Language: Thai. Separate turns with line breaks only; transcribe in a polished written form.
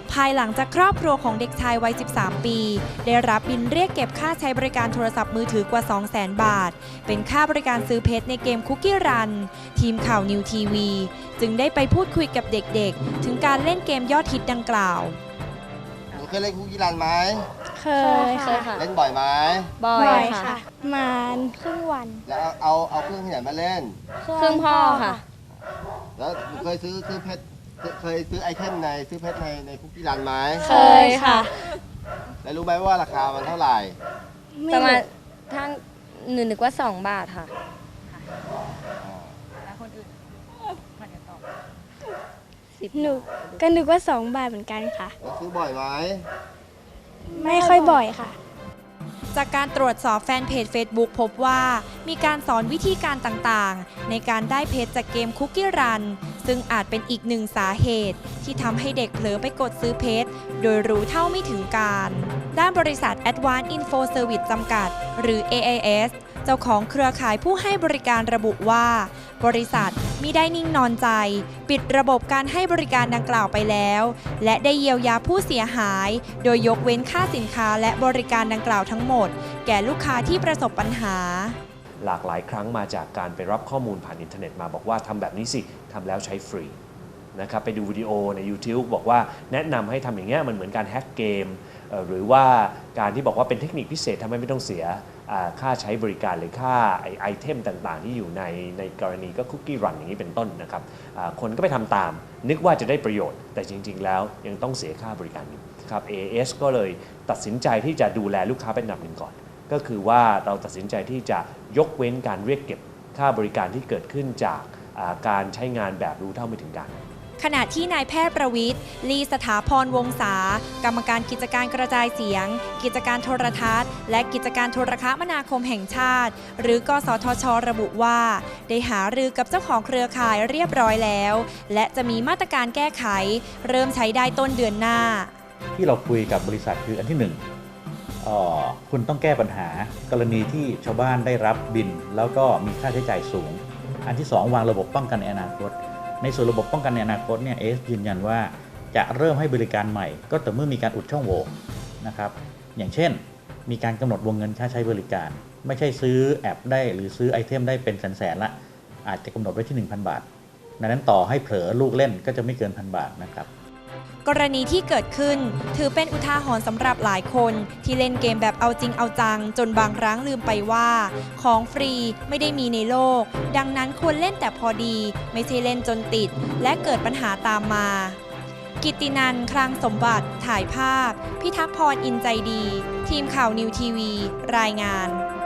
ภายหลังจากครอบครัวของเด็กชายวัย 13 ปี ได้รับบิลเรียกเก็บค่าใช้บริการโทรศัพท์มือถือกว่า 200,000 บาท เป็นค่าบริการซื้อเพชรในเกมคุกกี้รัน ทีมข่าวนิวทีวีจึงได้ไปพูดคุยกับเด็กๆ ถึงการเล่นเกมยอดฮิตดังกล่าว
หนูเคยเล่นคุกกี้รันไหม
เคยค่ะ
เล่นบ่อยไหม
บ่อยค่ะประมาณครึ่งวัน
แล้วเอาเครื่องที่ไหนมาเล่น
ครึ่งพ่อค่ะ
แล้วหนูเคยซื้อเพชรเคยซื้อไอเทมซื้อเพชรในคุกกี้รันไหม
เคยค่ะ
แล้วรู้ไหมว่าราคามันเท่าไหร่
ประมาณทั้งหนูนึกว่า2 บาทค่ะ
หนูก็นึกว่า2 บาทเหมือนกันค่ะ
แล้วซื้อบ่อยไหม
ไม่ค่อยบ่อยค่ะ
จากการตรวจสอบแฟนเพจ Facebook พบว่ามีการสอนวิธีการต่างๆ ในการได้เพชรจากเกมคุกกี้รันซึ่งอาจเป็นอีกหนึ่งสาเหตุที่ทำให้เด็กเผลอไปกดซื้อเพชรโดยรู้เท่าไม่ถึงการ ด้านบริษัท Advanced Info Service จำกัด หรือ AIS เจ้าของเครือข่ายผู้ให้บริการระบุว่า บริษัทมิได้นิ่งนอนใจ ปิดระบบการให้บริการดังกล่าวไปแล้ว และได้เยียวยาผู้เสียหาย โดยยกเว้นค่าสินค้าและบริการดังกล่าวทั้งหมด แก่ลูกค้าที่ประสบปัญหา
หลากหลายครั้งมาจากการไปรับข้อมูลผ่านอินเทอร์เน็ตมาบอกว่าทำแบบนี้สิทำแล้วใช้ฟรีนะครับไปดูวิดีโอใน YouTube บอกว่าแนะนำให้ทำอย่างเงี้ยมันเหมือนการแฮ็กเกมหรือว่าการที่บอกว่าเป็นเทคนิคพิเศษทำให้ไม่ต้องเสียค่าใช้บริการหรือค่าไอเทมต่างๆที่อยู่ในกรณีก็คุกกี้รันอย่างนี้เป็นต้นนะครับคนก็ไปทำตามนึกว่าจะได้ประโยชน์แต่จริงๆแล้วยังต้องเสียค่าบริการอยู่ครับ AIS ก็เลยตัดสินใจที่จะดูแลลูกค้าเป็นอันดับหนึ่งก่อนก็คือว่าเราตัดสินใจที่จะยกเว้นการเรียกเก็บค่าบริการที่เกิดขึ้นจากการใช้งานแบบรู้เท่าไม่ถึงการ
ขณะที่นายแพทย์ประวิตร ลีสถาพรวงศากรรมการกิจการกระจายเสียง กิจการโทรทัศน์และกิจการโทรคมนาคมแห่งชาติ หรือกสทช.ระบุว่า ได้หารือกับเจ้าของเครือข่ายเรียบร้อยแล้ว และจะมีมาตรการแก้ไข เริ่มใช้ได้ต้นเดือนหน้า
ที่เราคุยกับบริษัทคืออันที่ 1คุณต้องแก้ปัญหากรณีที่ชาวบ้านได้รับบิลแล้วก็มีค่าใช้จ่ายสูงอันที่ 2 วางระบบป้องกันในอนาคตในส่วนระบบป้องกันในอนาคตเนี่ยยืนยันว่าจะเริ่มให้บริการใหม่ก็ต่อเมื่อมีการอุดช่องโหว่นะครับอย่างเช่นมีการกำหนดวงเงินค่าใช้บริการไม่ใช่ซื้อแอปได้หรือซื้อไอเทมได้เป็นแสนๆละอาจจะกำหนดไว้ที่ 1,000 บาทดังนั้นต่อให้เผลอลูกเล่นก็จะไม่เกิน 1,000 บาทนะครับ
กรณีที่เกิดขึ้นถือเป็นอุทาหรณ์สำหรับหลายคนที่เล่นเกมแบบเอาจริงเอาจังจนบางครั้งลืมไปว่าของฟรีไม่ได้มีในโลกดังนั้นควรเล่นแต่พอดีไม่ใช่เล่นจนติดและเกิดปัญหาตามมากิตตินันท์ คลังสมบัติถ่ายภาพพิทักษ์พรอินใจดีทีมข่าวนิวทีวีรายงาน